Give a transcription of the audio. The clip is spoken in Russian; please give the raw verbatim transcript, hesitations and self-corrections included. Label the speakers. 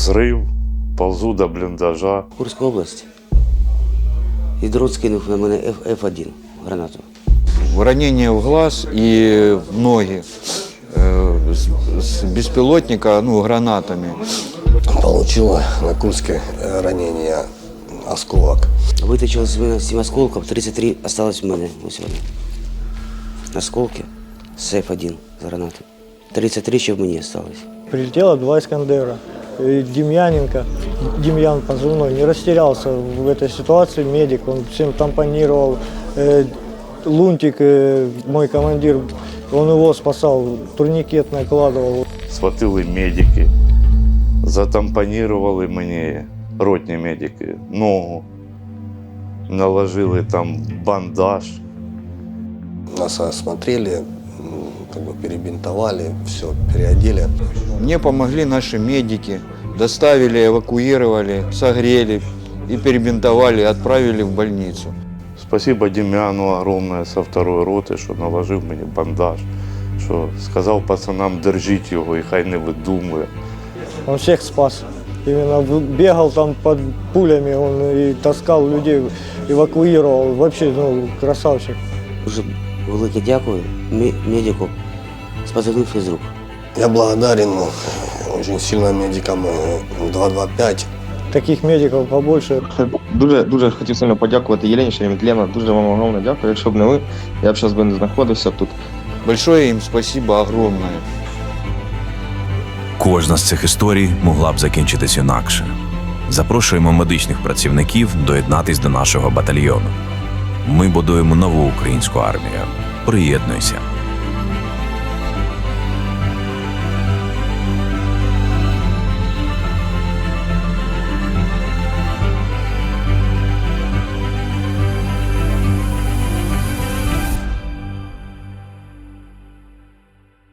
Speaker 1: Взрив, ползу до бліндажа.
Speaker 2: Курська область. І дрон скинув на мене еф один гранату.
Speaker 3: Ранение в глаз и в ноги э, с, с беспилотника, ну, гранатами.
Speaker 4: Получила на Курске ранение осколок.
Speaker 2: Вытащил с меня семь осколков, тридцать три осталось в мене сегодня. Осколки с еф один з гранати. тридцать три ще в мені осталось.
Speaker 5: Прилетело два Искандера. И Демьяненко, Демьян позывной, не растерялся в этой ситуации, медик, он всем тампонировал. Э, Лунтик, э, мой командир, он его спасал, турникет накладывал.
Speaker 1: Схватили медики, затампонували мені, ротні медики, ногу, наложили там бандаж.
Speaker 4: Нас осмотрели, как бы перебинтовали, все, переодели.
Speaker 3: Мне помогли наши медики, доставили, эвакуировали, согрели и перебинтовали, отправили в больницу.
Speaker 1: Спасибо Дем'яну огромне со второї роти, що наложив мені бандаж, що сказав пацанам, держіть його і хай не видумує.
Speaker 5: Он всех спас. Именно бегал там под пулями, он и таскал людей, эвакуировал. Вообще, ну, красавчик.
Speaker 2: Дуже велике дякую медику з позивним «Фізрук».
Speaker 4: Я благодарен очень сильно медикам два два п'ять.
Speaker 5: Таких медиков побольше.
Speaker 6: Дуже, дуже хотів сильно подякувати Єлені Шереметлєва. Дуже вам огромне дякую. Якщо б не ви, я б зараз би не знаходився тут.
Speaker 3: Большое им спасибо огромное.
Speaker 7: Кожна з цих історій могла б закінчитись інакше. Запрошуємо медичних працівників доєднатись до нашого батальйону. Ми будуємо нову українську армію. Приєднуйся.